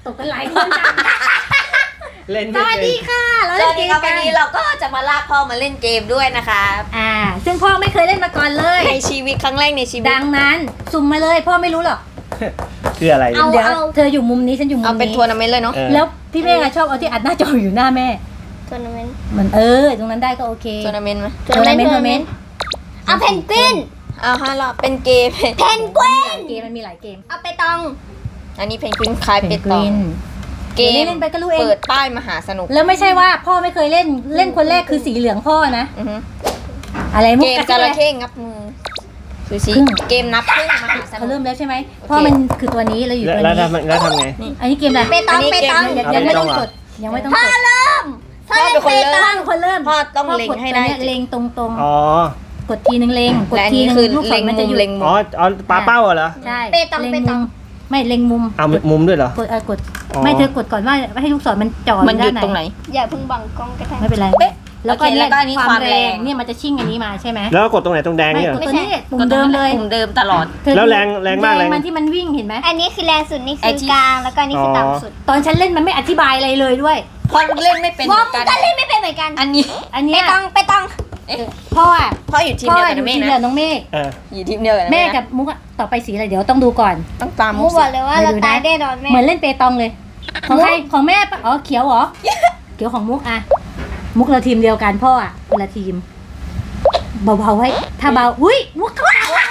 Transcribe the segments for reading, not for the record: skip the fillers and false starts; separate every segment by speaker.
Speaker 1: ตกกันหลายคนจัง
Speaker 2: เล่น
Speaker 1: สวัสดีค่ะเราเล่นเกม
Speaker 3: วั
Speaker 1: กัน น
Speaker 3: นี้เราก็จะมาลากพ่อมาเล่นเกมด้วยนะคะ
Speaker 1: ซึ่งพ่อไม่เคยเล่นมาก่อนเลย
Speaker 3: ในชีวิตครั้งแรกในชีวิต
Speaker 1: ดังนั้นสุ่มมาเลยพ่อไม่รู้หรอก
Speaker 2: คืออะไร
Speaker 3: เอา
Speaker 1: เดี๋ยวเธออยู่มุมนี้ฉันอยู่มุม
Speaker 3: เอาเป็น
Speaker 1: นี้
Speaker 3: ทัวร์นาเมนต์เลยเนาะ
Speaker 1: แล้วพี่เมฆชอบเอาที่อัดหน้าจออยู่หน้าแม่
Speaker 4: ทัวร์นาเมนต์
Speaker 1: เหมือนตรงนั้นได้ก็โอเค
Speaker 3: ทัวร์นาเมนต์ไหม
Speaker 1: ทัวร์นาเมนต์
Speaker 4: เอาเพนกวิน
Speaker 3: เอาฮะเราเป็นเกม
Speaker 4: เพนกวิน
Speaker 1: เกมมันมีหลายเกม
Speaker 4: เอาไปตอง
Speaker 3: อันนี้เพนกวินคลายเป็ดต่อเกม
Speaker 1: เล่นไปก็รู้เอง
Speaker 3: เปิดป้ายมหาสนุก
Speaker 1: แล้วไม่ใช่ว่าพ่อไม่เคยเล่นคนแรกคือสีเหลืองพ่อนะ
Speaker 3: อือฮึ
Speaker 1: อะไรมุก
Speaker 3: เกมจระเข้งับมือซูชิเกมนับครึ่งมหาส
Speaker 1: เขา
Speaker 3: นุ
Speaker 1: เริ่
Speaker 3: ก
Speaker 1: มแล้วใช่ไหมพ่อมันคือตัวนี้เราอยู่ตัว
Speaker 2: แล้ว
Speaker 1: นี้
Speaker 2: ทำไง
Speaker 1: อันนี้เกมอะไร
Speaker 4: ไปตองไปตอง
Speaker 1: ยังไม่ต้องกดยังไม่ต้องกด
Speaker 4: เริ่มพ่อเล่นไปต
Speaker 1: พ่
Speaker 4: อ
Speaker 1: อง เป็นคนเริ่ม
Speaker 3: พ่อต้องเล็งให้ได้
Speaker 1: เล็งตรง
Speaker 2: อ๋อ
Speaker 1: ๆกดทีนึงเล็งกด
Speaker 3: และอัน
Speaker 1: ที
Speaker 3: นี้
Speaker 1: นึง
Speaker 3: คือ
Speaker 1: ลูกศ
Speaker 3: เล็
Speaker 1: รง มัน
Speaker 3: มุ
Speaker 1: จะ
Speaker 3: ม
Speaker 1: อยู่
Speaker 3: เล็งมุ
Speaker 2: อ๋อ
Speaker 3: ม
Speaker 2: เอาปลาเป้าเหรอ
Speaker 1: ใช่
Speaker 4: เปตอง
Speaker 1: เล็ง
Speaker 4: เปต
Speaker 1: มุ
Speaker 4: อง
Speaker 1: มไม่เล็งมุม
Speaker 2: เอามุมด้วยเหรอ
Speaker 1: กด
Speaker 2: อ๋อ
Speaker 1: ไม่เธอกดก่อนว่าให้ลูกศรมันจ่อ
Speaker 3: มันหยุด
Speaker 1: ด้า
Speaker 3: ตรงไหน
Speaker 4: อย่าเพิ่งบังกล้องก็ได้
Speaker 1: ไม่เป็นไรแล้วก็
Speaker 3: โอเคแล้วก็อันนี้
Speaker 1: ความ
Speaker 3: ความ
Speaker 1: แร
Speaker 3: แรง ง
Speaker 1: เนี่ยมันจะชิ่งอันนี้มาใช่ไหม
Speaker 2: แล้วก็กดตรงไหนตรงแดง
Speaker 1: ไม่
Speaker 2: เนี่ยเหร
Speaker 1: ก
Speaker 2: อ
Speaker 1: ดตัวนี้ปุ่มเดิมเลย
Speaker 3: ปุ่มเดิมตลอด
Speaker 1: เธอ
Speaker 2: แล้วแรงมาก
Speaker 1: มันที่มันวิ่งเห็นไหม
Speaker 4: อันนี้คือแรงสุดนี่
Speaker 3: ไอ้
Speaker 4: คือ
Speaker 3: ที่
Speaker 4: กลางแล้วก็อันนี่คือต่ำสุด
Speaker 1: ตอนฉันเล่นมันไม่อธิบายอะไรเลยด้วย
Speaker 3: พ่อเล่นไม่เป็นเห
Speaker 4: วอ
Speaker 3: มื
Speaker 4: ม
Speaker 3: อนกัน
Speaker 4: ก็เล่นไม่เป็นเหมือนกัน
Speaker 3: อันนี้
Speaker 1: อัน
Speaker 4: ไป
Speaker 1: เนี้ย
Speaker 4: ตองไปตอง
Speaker 1: พ่ออ่ะ
Speaker 3: พ่ออยู่ทีม
Speaker 1: พ่อ
Speaker 3: เดียว
Speaker 1: อ
Speaker 3: กับ
Speaker 1: ยู่
Speaker 3: เมฆ
Speaker 1: ทีม
Speaker 3: นะ
Speaker 1: เดียวน้องเมฆ
Speaker 2: เออ
Speaker 3: อยู่ทีมเดียวกับ
Speaker 1: แม่
Speaker 3: นะ
Speaker 1: กับมุกอะต่อไปสีอะไรเดี๋ยวต้องดูก่อน
Speaker 3: ต้องตาม
Speaker 4: มูบอกเลยว่าเราตายแน่นอนแม่
Speaker 1: เหมือนเล่นเปตองเลย ของใครของแม่ปะอ๋อเขียวเหรอ เขียวของมุกอะมุกเราทีมเดียวกันพ่ออะคนละทีมเบาๆไว้ถ้าเบาอุ้ยมุกเข้า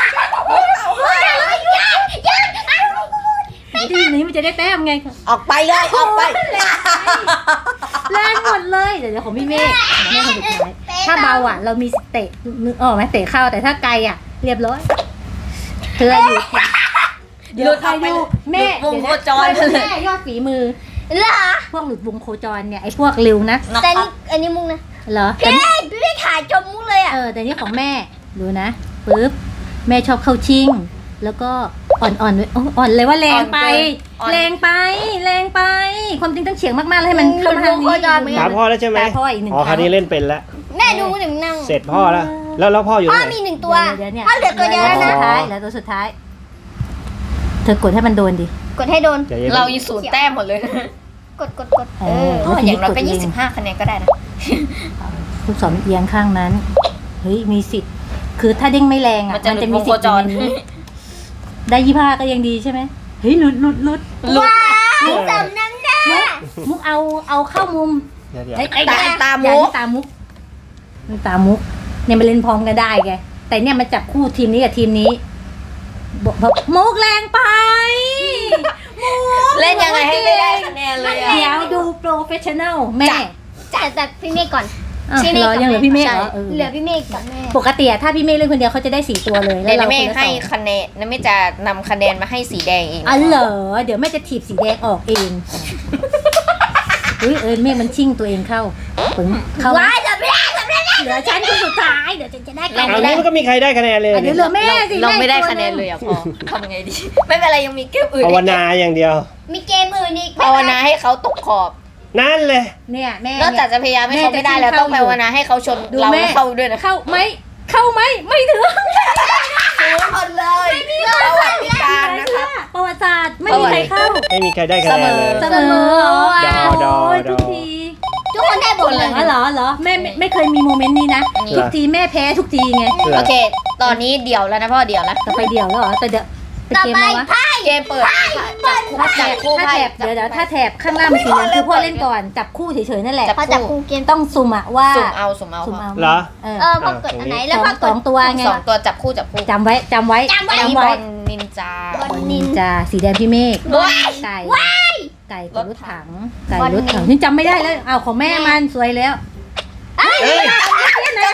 Speaker 1: ทีมนี้มันจะได้แต้มไง
Speaker 3: ออกไปเลยออกไป
Speaker 1: แรงหมดเลยเดี๋ยวของพี่เมฆแม่คนสุดท้ายถ้าเบาอะเรามีเตะนึกออกไหมเตะเข้าแต่ถ้าไกลอะเรียบร้อยเธออยู่เดี๋ยวใครดูแม่
Speaker 3: วงโคจร
Speaker 1: เดี๋ยวนะแม่ยอดฝีมือ
Speaker 4: เหรอ
Speaker 1: พวกหลุดวงโคจรเนี่ยไอ้พวกเร็วนะ
Speaker 4: แต่นี่อันนี้มุกนะ
Speaker 1: เหรอ
Speaker 4: พี่ไม่ถ่ายจมมุกเลยอ่ะ
Speaker 1: แต่นี่ของแม่ดูนะปึ๊บแม่ชอบเข้าชิง แล้วก็อ่อนๆด้วยอ่อนเลยว่าแรงไป แรงไป แรงไป ความจริงต้องเฉียงมากๆเลยให้มันเข้ามาทางนี้
Speaker 2: ถามพ่อแล้วใช่ไหม
Speaker 1: ตาพ่ออีกหนึ่ง
Speaker 2: อ๋อคราวนี้เล่นเป็นแล้ว
Speaker 4: แม่ดูมุกถึงนั่ง
Speaker 2: เสร็จพ่อแล้วแล้วพ่ออยู่
Speaker 4: พ่อ
Speaker 2: ไหน
Speaker 4: มีหนึ่งตัว
Speaker 1: เดี๋ยวเนี่ย
Speaker 4: พ่อเหลือตัวเดียวแล้วนะ
Speaker 1: สุดท้ายแล้วตัวสุดท้าย เธอกดให้มันโดนดิ
Speaker 4: กดให้โดน
Speaker 2: ใจย็น
Speaker 3: เราอยู่ศูนย์แต้มหมดเลย
Speaker 4: กด
Speaker 3: พ่ออย่างน้อยก็25 คะแนนก็ได้นะ
Speaker 1: ลูกศรมันเอียงข้างนั้น เฮ้ยมีสิทธิ์ คือถ้าเด้งไม่แรงอ่ะ
Speaker 3: มันจะหลุดวงโคจร
Speaker 1: อยู่ในนี้ได้25ก็ยังดีใช่ไหมเฮ้ยหลุด
Speaker 4: ว้าวสำนักหน้า
Speaker 1: มุกเอาเข้ามุม
Speaker 2: เดี๋ยว
Speaker 1: ไอ้
Speaker 3: ตาม
Speaker 1: อย่
Speaker 3: มุก
Speaker 1: ตามมุกมันตามมุกเนี่ยมันเล่นพร้อมกันได้ไงแต่เนี่ยมันจับคู่ทีมนี้กับทีมนี้บอกมุกแรงไปมุก
Speaker 3: เล่นยังไงให้ไม่ได้คะแนนเลยอ่ะ
Speaker 1: เดี๋ยวดูโปรเฟชชั่นแนลแม่
Speaker 4: จัดพี่เมฆก่อน
Speaker 1: อ้าว
Speaker 4: พี่เมฆ
Speaker 1: เหรอยังเหลือพี่เมฆเหรอ
Speaker 3: ใช่
Speaker 4: เหลือพี่เมฆกับแม่
Speaker 1: ปกติอะถ้าพี่เมฆเล่นคนเดียวเขาจะได้4ตัวเลย
Speaker 3: เดี๋ยว
Speaker 1: เรา
Speaker 3: นะเมฆ
Speaker 1: คนละ
Speaker 3: ให้
Speaker 1: สอง
Speaker 3: คะแนนนะเมฆจะนำคะแนนมาให้สีแดงเอง
Speaker 1: อ๋อเหรอเดี๋ยวแม่จะถีบสีแดงออกเองอุ้ยเมฆมันชิ่งตัวเองเข้าปึ๋งเข้า
Speaker 4: ว้ายจับไม่ได้
Speaker 1: เหลือฉันคนสุดท้ายเดี๋ยวฉันจะได้คะ
Speaker 2: เอา
Speaker 1: แน
Speaker 2: นี้
Speaker 1: น
Speaker 2: มันก็มีใครได้คะแนนเลย
Speaker 1: เดี๋ยวเหลือแม่สิ
Speaker 3: เราไม่ได้
Speaker 1: แตัว
Speaker 3: คะแนน
Speaker 1: หง
Speaker 3: เลยอ่ะพ่อทำไงดี ไม่เป็นไรยังมีเกมอื่น
Speaker 2: ภาวนาอย่างเดียว
Speaker 4: มีเกมอื่นอีก
Speaker 3: ภาวนาให้เขาตกขอบ
Speaker 2: นั่นเลย
Speaker 1: เนี่ยแม่
Speaker 3: นอกจากจะพยายามให้เขาไม่ได้แล้วต้องภาวนาให้เขาชน
Speaker 1: ดู
Speaker 3: เรา
Speaker 1: แม่
Speaker 3: เข้าด้วยนะ
Speaker 1: เข้าไหมไม่ถึง
Speaker 3: รู้หมดเลยประวัติการนะครับ
Speaker 1: ประวัติศาสตร์ไม่มีใครเข้า
Speaker 2: ไม่มีใครได้คะแนนเลย
Speaker 1: เสมอ
Speaker 2: ดอ
Speaker 1: โอ้ย
Speaker 2: ดอ
Speaker 1: ทุกที
Speaker 4: ทุกคนได้บทเลย
Speaker 1: อ๋อเหรอแม่ไม่เคยมีโมเมนต์นี้นะ
Speaker 3: นี่
Speaker 1: ทุกทีแม่แพ้ทุกทีไง
Speaker 3: โอเค ตอนนี้เดี่ยวแล้วนะพ่อเดี่ยวแล้ว
Speaker 1: ต่อไปเดี่ยวแล้วเหรอแต่เดี๋ยวเป็น
Speaker 4: ต่อ
Speaker 1: เกม
Speaker 4: ไป
Speaker 1: อะไรวะ
Speaker 4: ไพ่
Speaker 3: เกมเปิดจับคู่
Speaker 1: ถ้า
Speaker 3: ไพ่
Speaker 1: แถบเดี๋ยวถ้าแถบข้างล่างมันสีเหลืองคือพ่อเล่นก่อนจับคู่เฉยๆนั่นแหละ
Speaker 4: พอจับคู่เกม
Speaker 1: ต้องสุ่มอะว่า
Speaker 3: สุ่มเอา
Speaker 1: สุ่มเอา
Speaker 2: เหรอ
Speaker 4: พอกดอันไหนแล้วพอก
Speaker 1: ส
Speaker 4: ด
Speaker 1: องตัวไง
Speaker 3: สองตัวจับคู่
Speaker 1: จำไว้จำไว้
Speaker 3: อันนี้บอลนินจา
Speaker 4: บอลนิน
Speaker 1: จ้าสีแดงพี่เมฆ
Speaker 4: ว้าย
Speaker 1: ไก่ ไก่กับรถถัง ไก่
Speaker 4: บอล
Speaker 1: รถถังนี่จำไม่ได้แล้วเอาของแม่มันสวยแล้ว
Speaker 2: เฮ้ย
Speaker 1: อันไหน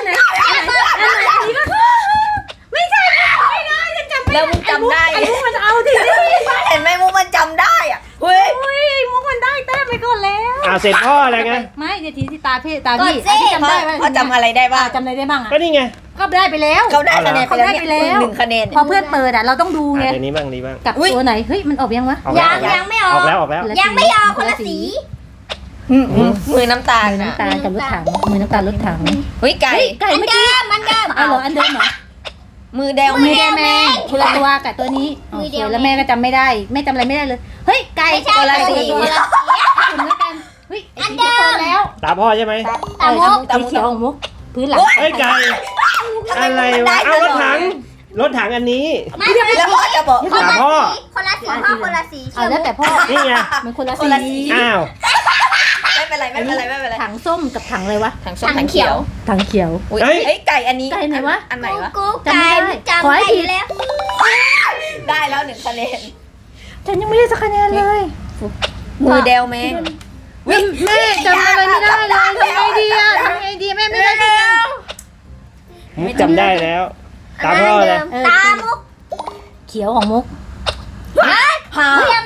Speaker 1: ไม่ใช่ไม่ได้ฉันจำไม่
Speaker 3: แล้ว
Speaker 1: ได้
Speaker 3: มึงจำได้
Speaker 1: ไอ้มุกมันเอาที
Speaker 3: เห็นไหมมุกมันจำได้อ่ะเฮ้ย
Speaker 1: อุ้ยมุกมันได้แต้มไปก่อนแล้ว
Speaker 2: เสร็จพ่ออะไรไง
Speaker 1: ไม่เดี๋ยวทีที่ตาพี่ที่จำได้
Speaker 3: พ่อจำอะไรได้บ้าง
Speaker 1: จำอะไรได้บ้าง
Speaker 2: ก็นี่ไง
Speaker 1: ก็ได้ไปแล้ว
Speaker 3: เขาได้คะแนนไปแล้ว
Speaker 1: เขาได้ไปแล้
Speaker 3: เนี่ยว 1 คะแนน
Speaker 1: พอเพื่อนเปิดเราต้องดูไง
Speaker 2: เดี๋ยวนี้บ้างนี้บ้าง
Speaker 1: กับตัวไหนเฮ้ยมันออกยังวะ
Speaker 2: ออกแล้ว
Speaker 4: ยังไม่ออ
Speaker 2: ออก กแล้วออกแล้ว
Speaker 4: ยังไม่ออกคนละสี
Speaker 3: มือน้ำตาล
Speaker 1: มือ
Speaker 3: นะ
Speaker 1: น้ำตาลกับรถถังมือน้ำตาลรถถัง
Speaker 3: เฮ้ยไก่
Speaker 1: ไก่
Speaker 4: มัน
Speaker 1: เมื่อ
Speaker 4: เดิ
Speaker 1: กี้
Speaker 4: มมันเดิม
Speaker 1: เอาเหรออันเดิมเหรอ
Speaker 3: มือแดง
Speaker 1: มือแดงแมงคนละตัวกับตัวนี้
Speaker 4: มือเดียว
Speaker 1: แล้วแม่ก็จำไม่ได้แม่จำอะไรไม่ได้เลยเฮ้ยเฮ้ยไก่
Speaker 4: ไม่ใช่
Speaker 3: คนละสี
Speaker 1: คุณแล้วกันเฮ้ยไอ้สีเขียวพอแล้ว
Speaker 2: ตาพ่อใช่ไหม
Speaker 4: ตามมุก
Speaker 1: สีเขียวของมุกพื้นหลัง
Speaker 2: เฮ้ยไก่อะไรวะเอารถถังอันนี้
Speaker 4: ไม่
Speaker 3: แล้วพ่อจะบอก
Speaker 2: ตาพ่อ
Speaker 4: คนละสีพ่อคนละสี
Speaker 1: เอาแล้วแต่พ่อ
Speaker 2: นี่ไง
Speaker 1: มันคนละ
Speaker 3: คนละสี
Speaker 1: สี
Speaker 2: อ้าว
Speaker 3: ไม่เป็นไรไม่เป็นไรไม่เป็นไร
Speaker 1: ถังส้มกับถังอะไรวะ
Speaker 3: ถังส้มถังเขียว
Speaker 1: ถังเขียว
Speaker 3: อุ้ยเฮ้ยไก่อันนี้
Speaker 1: ไก่ไหนวะ
Speaker 3: อันไหนวะ
Speaker 4: กูไก่จำได้อยู่แล้ว
Speaker 3: ได้แล้ว1คะแนน
Speaker 1: ฉันยังไม่ได้สักคะแนนเลย
Speaker 3: มือเดวแมง
Speaker 1: แม่จำอะไรไม่ได้เลยทำไงดีอะทำไงดีแม่ไม่ได้คะแนน
Speaker 2: มุกจำได้แล้ว ตาพ่อเลย
Speaker 4: ตามุก
Speaker 1: เขียวของมุก
Speaker 3: ฮ่า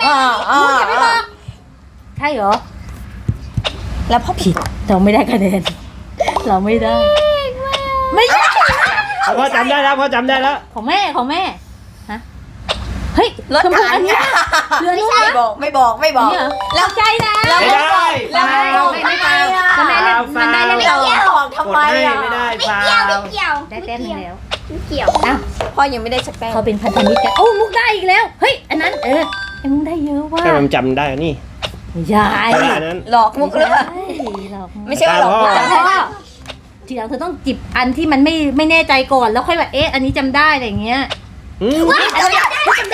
Speaker 1: ใช่เหรอ
Speaker 3: แล้วพ่อ
Speaker 1: ผิดเราไม่ได้คะแนนเราไม่ได้ ไม่ใช่
Speaker 2: ตาพ่อจำได้แล้วพ่อจำได้แล้ว
Speaker 1: ของแม่ฮะเฮ้ย
Speaker 3: รถ
Speaker 1: ชมพู
Speaker 3: ถั
Speaker 1: อั
Speaker 3: ง
Speaker 1: นเนี้ยเรือนู้น
Speaker 3: ไม่
Speaker 1: นะ
Speaker 3: บอกไม่บอกไม่บอก
Speaker 1: เนี่ยเหรอ
Speaker 3: แล้วใจนะแล้ว
Speaker 2: ไม่ได้
Speaker 3: แล้วไม่บอก
Speaker 1: ไม่
Speaker 3: ไม่
Speaker 1: ได้
Speaker 3: ได้
Speaker 1: แล้วแม่เล่นมันได้แล้ว
Speaker 3: ไม่เอาบอกทำ
Speaker 2: กด
Speaker 3: ไม
Speaker 2: ให้
Speaker 3: อ่ะ
Speaker 2: ไม่ได้
Speaker 4: ไม่
Speaker 2: ฟา
Speaker 4: เกี่ยว
Speaker 2: ว
Speaker 4: ไม่เกี่ยว
Speaker 1: ได้แต้มหนึงแล้ว
Speaker 4: ไม่เกี่ยว
Speaker 1: อ้าว
Speaker 3: พ่อยังไม่ได้สักแต้ม
Speaker 1: เขาเป็นพันธมิตรกันโอ้มุกได้อีกแล้วเฮ้ยอันนั้นไอ้มุกได้เยอะว่ะ
Speaker 2: แต่มันจำได้นี่
Speaker 1: ไม่ใช่
Speaker 2: อันนั้น
Speaker 3: หลอกมุกหรือเปล่า
Speaker 1: หรอก
Speaker 3: ไม่ใช่ว่าหลอกมุก
Speaker 2: ตา
Speaker 1: แต่พ่อทีหลังเธอต้องจิบอันที่มันไม่แน่ใจก่อนแล้วค่อยแบบอันนี้จำได้อะไรอย่างเงี้ย
Speaker 2: อืม
Speaker 1: จำได้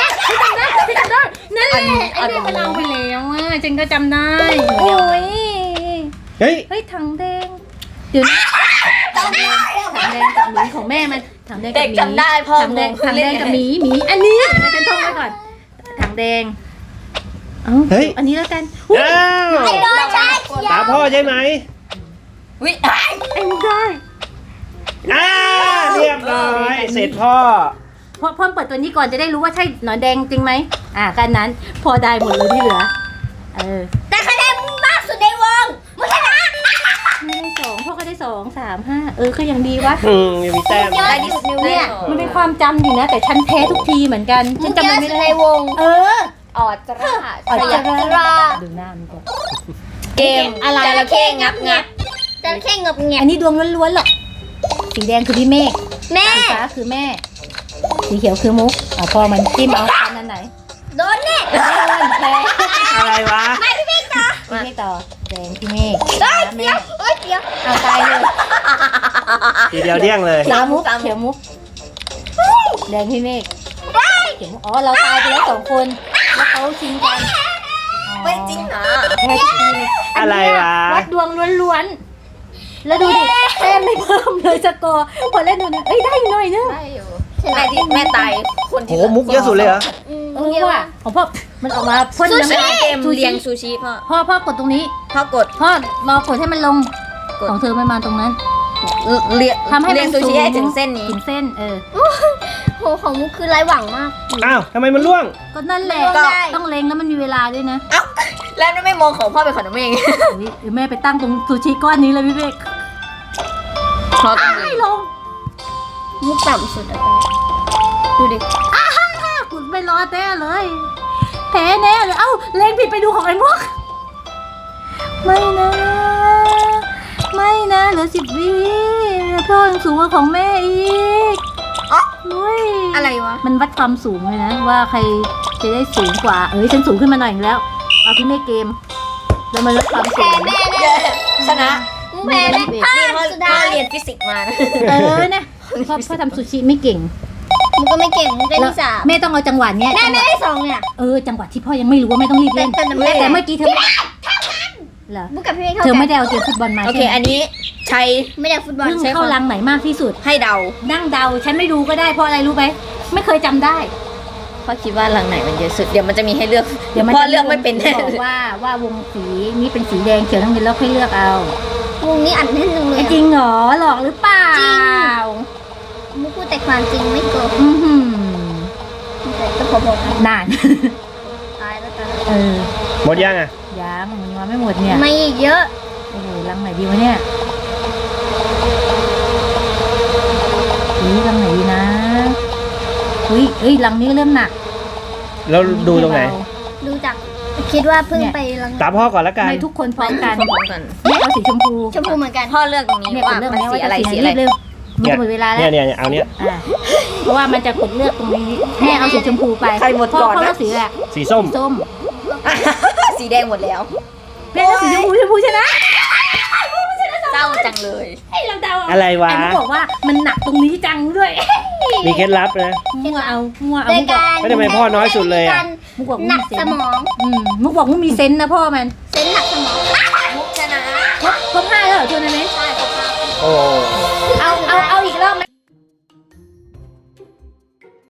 Speaker 1: นั่นแหละไอ้เนี่ยมันเอาไปแล้วอ่ะเจนก็จำได้โอ้ย
Speaker 2: เฮ้ย
Speaker 1: เฮ้ยถังแดงเดี๋ยวนะถังแดงกับหมีของแม่มันถังแดงกับ
Speaker 3: เด็ก
Speaker 1: หมี
Speaker 3: จำได้พ่อ
Speaker 1: ถังแดงกับหมีอันนี้ฉันท่องไว้ก่อนถังแดงอันนี้แล้วกัน
Speaker 2: อ้าว
Speaker 4: ไอ้โดนใช่เขียว
Speaker 2: ตาพ่อใช่ไหม
Speaker 3: วิ
Speaker 1: ไอ้มุกได้
Speaker 2: เรียบร้อยเสร็จพ่อ
Speaker 1: พ่อเปิดตัวนี้ก่อนจะได้รู้ว่าใช่หนอนแดงจริงไหมกันนั้นพอได้หมดเลยที่เหลือ
Speaker 4: แต่คะแนนมากสุดในวงมุกชนะ
Speaker 1: ไม่ได้2พ่อก็ได้2 3 5ก็ยังดีวะ
Speaker 2: ยังมีแต้ม
Speaker 3: ได้ที่สุดนิ้ว
Speaker 1: เนี่ยมันเป็นความจำดีนะแต่ฉันแพ้ทุกทีเหมือนกันฉันจำไม่ได้ในวง
Speaker 3: ออดจรา
Speaker 1: อ๋อจรา
Speaker 3: ดู
Speaker 1: ดูหน้ามันก่อน
Speaker 3: เกมอะไรจระเข้งับ
Speaker 4: จระเข้เงบเงียบ
Speaker 1: อันนี้ดวงล้วนๆหรอกสีแดงคือพี่เมฆ
Speaker 4: แม่
Speaker 1: สีฟ้าคือแม่ สีเขียวคือมุกพอมันจิ้มเอาอันไหน
Speaker 4: โดนเนี่ย
Speaker 1: แพ้
Speaker 2: อะไรวะ
Speaker 1: พี่เมฆต่อแดงพี่เมฆ
Speaker 4: เฮ้ย
Speaker 1: แม่
Speaker 4: เดี๋ยว
Speaker 1: เอาตายเลย
Speaker 2: ทีเดียวเดี้ยงเลย
Speaker 1: เขียวมุกเขียวมุกแดงพี่เมฆเขียวมุกเราตายไปแล้ว2 คนแล้วเขาชิงกัน
Speaker 3: ไม่จริงนะ
Speaker 1: แพ้ทุกทีเลย
Speaker 2: อะไรวะ
Speaker 1: วัดดวงล้วนๆแล้วดูดิแต้มไม่เพิ่มเลยสกอร์พอเล่นดูนะได้อยู่หน่อยนึง
Speaker 3: ได้อยู่แม่ที่แม่ตายคน
Speaker 2: โห
Speaker 3: ที่
Speaker 2: มุกเยอะสุดเลยเหรอ
Speaker 1: ว่ะของพ่อมันออกมาพ่น
Speaker 3: ซู
Speaker 1: น้ำ
Speaker 3: ชิ
Speaker 1: ลาย
Speaker 3: เกมเลี้ยงซูชิพ่อ
Speaker 1: พ่อกดตรงนี้
Speaker 3: พ่อกด
Speaker 1: พ่อรอกดให้มันลงของเธอไม่มาตรงนั้น
Speaker 3: เลี้ยง
Speaker 1: ทำให้
Speaker 3: เลี้ยงซูชิให้ถึงเส้นนี้
Speaker 1: ถึงเส้น
Speaker 4: โหของมุกคือไร้หวังมาก
Speaker 2: อ้าวทำไมมันร่วง
Speaker 1: ก็นั่นแหละ
Speaker 4: ก็ได้
Speaker 1: ต้องเล็งแล้วมันมีเวลาด้วยนะ
Speaker 3: เอ้าแล้วไม่มองของพ่อเป็นของน้ำเอง
Speaker 1: เดี๋ยวแม่ไปตั้งตรงซูชิก้อนนี้เลยพี่เบก
Speaker 3: เพราะ
Speaker 1: ไม่ลง
Speaker 4: มุกต่ำสุดอะดูดิ
Speaker 1: คุณไม่รอแน่เลยแพ้แน่เลยเอ้าเล็งผิดไปดูของไอ้พวกไม่นะเหลือ10 วิพ่อยังสูงกว่าของแม่อีกอุ้ย
Speaker 4: อะไรวะ
Speaker 1: มันวัดความสูงเลยนะว่าใครจะได้สูงกว่าฉันสูงขึ้นมาหน่อยอีกแล้วเอาพี่เมฆเกมแล้วมันลดความสู
Speaker 4: แพ้
Speaker 1: ง
Speaker 4: แม่แน่
Speaker 3: ชนะ
Speaker 4: มุกแพ้แน่
Speaker 3: นี่พ่อ
Speaker 4: สุดา
Speaker 3: เรียนฟิสิกส์มานะ
Speaker 1: นะพ่อทำซูชิไม่เก่ง
Speaker 4: มุกก็ไม่เก่งมุกได้ที่ 3
Speaker 1: แม่ต้องเอาจังหวะเนี้ย
Speaker 4: แม่ไม่ได้2เนี่ย
Speaker 1: จังหวะที่พ่อยังไม่รู้ว่าแม่ต้องรีบเล่น
Speaker 4: แต่แม่
Speaker 1: แต่เมื่อกี้เธอเหรอ
Speaker 4: มุกกับพี่เมฆ
Speaker 1: เธ
Speaker 4: เข้า
Speaker 1: อ
Speaker 4: กั
Speaker 1: ไม่
Speaker 4: น
Speaker 1: ได้เอาเกมฟุตบอลมา
Speaker 3: โอเค
Speaker 1: ใช่ไหม
Speaker 3: อันนี้ใช้
Speaker 4: ไม่ได้ฟุตบอล
Speaker 1: เพิ่งเข้ารังไหนมากที่สุด
Speaker 3: ให้เดา
Speaker 1: นั่งเดาฉันไม่ดูก็ได้เพราะอะไรรู้ไหมไม่เคยจำได้
Speaker 3: พ่อคิดว่ารังไหนมันเยอะสุดเดี๋ยวมันจะมีให้เลือก
Speaker 1: เดี๋ยวมัน
Speaker 3: พ่อ
Speaker 1: จะ
Speaker 3: เลือกไม่เป็นแน่
Speaker 1: บอกว่าวงสีนี้เป็นสีแดงเขียวทั้งเดือนแล้วค่อยเลือกเอา
Speaker 4: วงนี้อัดแน่นจังเลย
Speaker 1: จริงเหรอหลอกหรือเปล่า
Speaker 4: มุกพูดแต่ความจริงไม่โกหก
Speaker 1: อื้อหือ
Speaker 4: แต่ก็พอบอกนะ
Speaker 1: นาน
Speaker 4: ตายแล้วกัน
Speaker 2: หมดยังอ่ะ
Speaker 1: ยังมันมาไม่หมดเนี่ย
Speaker 4: ไม่อีกเยอะ
Speaker 1: โอ้โหรังไหนดีวะเนี่ยรังไหนดีนะอุ้ยรังนี้ก็เริ่มหนัก
Speaker 2: แล้วดูตรงไหน
Speaker 4: ดูจากคิดว่าเพิ่งไปรัง
Speaker 2: ตามพ่อก่อนละกัน
Speaker 1: ไม่ทุกคนพร้อมกัน
Speaker 3: พร้อมกัน
Speaker 1: แม่เอาสีชมพู
Speaker 4: ชมพูเหมือนกัน
Speaker 3: พ่อเลือกตรงนี้
Speaker 1: เนี่ยก
Speaker 3: ว่า
Speaker 1: ดเลือก
Speaker 3: มัน
Speaker 1: เนี้ย
Speaker 3: สี
Speaker 1: ว่า
Speaker 3: อะไร
Speaker 1: จะ
Speaker 3: สี
Speaker 1: สี
Speaker 3: อะไร
Speaker 1: เร็วมันจะหมดเวลาแล้ว
Speaker 2: เนี่ยเอาเนี้ย
Speaker 1: เพราะว่ามันจะกดเลือกตรงนี้แม่เอาสีชมพูไป
Speaker 3: ใครหมดก่อนนะ
Speaker 1: พ่อเลือกสีแหละ
Speaker 2: สีส้ม
Speaker 1: ส้ม
Speaker 3: สีแดงหมดแล้ว
Speaker 1: แม่ก็สีชมพูชนะ
Speaker 3: เศร้าจังเลย
Speaker 1: ให้เราเดา
Speaker 2: อะไรวะ
Speaker 1: ไอ้มันบอกว่ามันหนักตรงนี้จังด้วย
Speaker 2: มีเคล็ดลับนะ
Speaker 1: มั่วเอามั่วเอา
Speaker 4: โดย
Speaker 1: มุกบอก
Speaker 4: การ
Speaker 2: แล้วทำไมพ่อน้อยสุดเลยอะ
Speaker 1: มุกบอก
Speaker 4: หนั
Speaker 1: มี
Speaker 4: ก
Speaker 1: เซ
Speaker 4: ส
Speaker 1: น
Speaker 4: มอง
Speaker 1: มุกบอกมุกมีเซนนะพ่อมัน
Speaker 4: เส้นหนักสมอง
Speaker 3: มุกชนะ
Speaker 1: ครบ5แล้วเหรอทัวร์นาเมนต์
Speaker 3: ใช่ครบ
Speaker 2: โอ้
Speaker 3: 5